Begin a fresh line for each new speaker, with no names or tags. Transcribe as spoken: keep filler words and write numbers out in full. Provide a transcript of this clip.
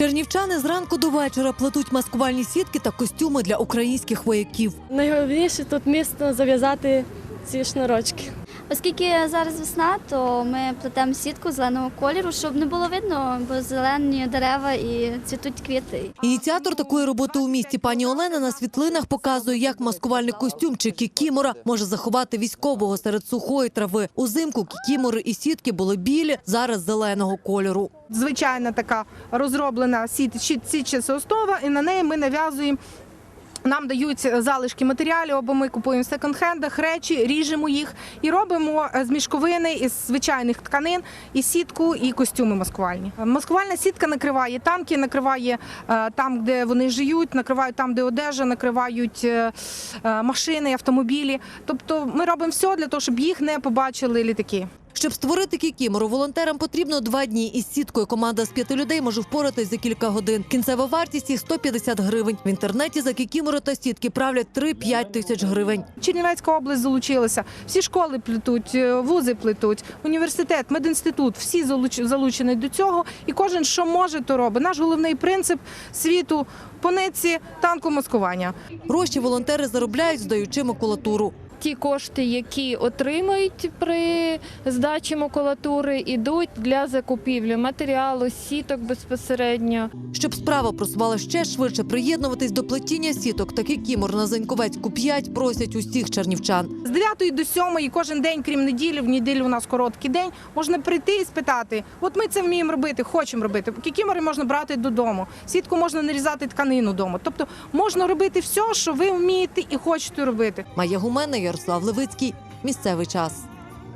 Чернівчани зранку до вечора плетуть маскувальні сітки та костюми для українських вояків.
Найголовніше тут міцно зав'язати ці шнурочки.
Оскільки зараз весна, то ми плетемо сітку зеленого кольору, щоб не було видно, бо зелені дерева і цвітуть квіти.
Ініціатор такої роботи у місті пані Олена на світлинах показує, як маскувальний костюм чи кікімора може заховати військового серед сухої трави. Узимку кікімори і сітки були білі, зараз зеленого кольору.
Звичайна така розроблена сітча основа, і на неї ми нав'язуємо. Нам дають залишки матеріалів, або ми купуємо в секонд-хендах речі, ріжемо їх і робимо з мішковини, із звичайних тканин, і сітку, і костюми маскувальні. Маскувальна сітка накриває танки, накриває там, де вони живуть, накривають там, де одежа, накривають машини, автомобілі. Тобто ми робимо все для того, щоб їх не побачили літаки.
Щоб створити кікімору, волонтерам потрібно два дні. Із сіткою команда з п'яти людей може впоратись за кілька годин. Кінцева вартість їх – сто п'ятдесят гривень. В інтернеті за кікімору та сітки правлять три-п'ять тисяч гривень.
Чернівецька область залучилася. Всі школи плетуть, вузи плетуть, університет, медінститут. Всі залучені до цього. І кожен, що може, то робить. Наш головний принцип світу – по нитці танкомаскування.
Гроші волонтери заробляють, здаючи макулатуру.
Ті кошти, які отримають при здачі макулатури, йдуть для закупівлі матеріалу, сіток безпосередньо.
Щоб справа просувала ще швидше, приєднуватись до плетіння сіток та кікімор на Заньковецьку п'ять просять усіх чернівчан.
З дев'ятої до сьомої кожен день, крім неділі, в неділю у нас короткий день, можна прийти і спитати, от ми це вміємо робити, хочемо робити. Кікімори можна брати додому, сітку можна нарізати тканину вдома. Тобто можна робити все, що ви вмієте і хочете робити.
Майя Гумена, Ярослав Левицький. Місцевий час.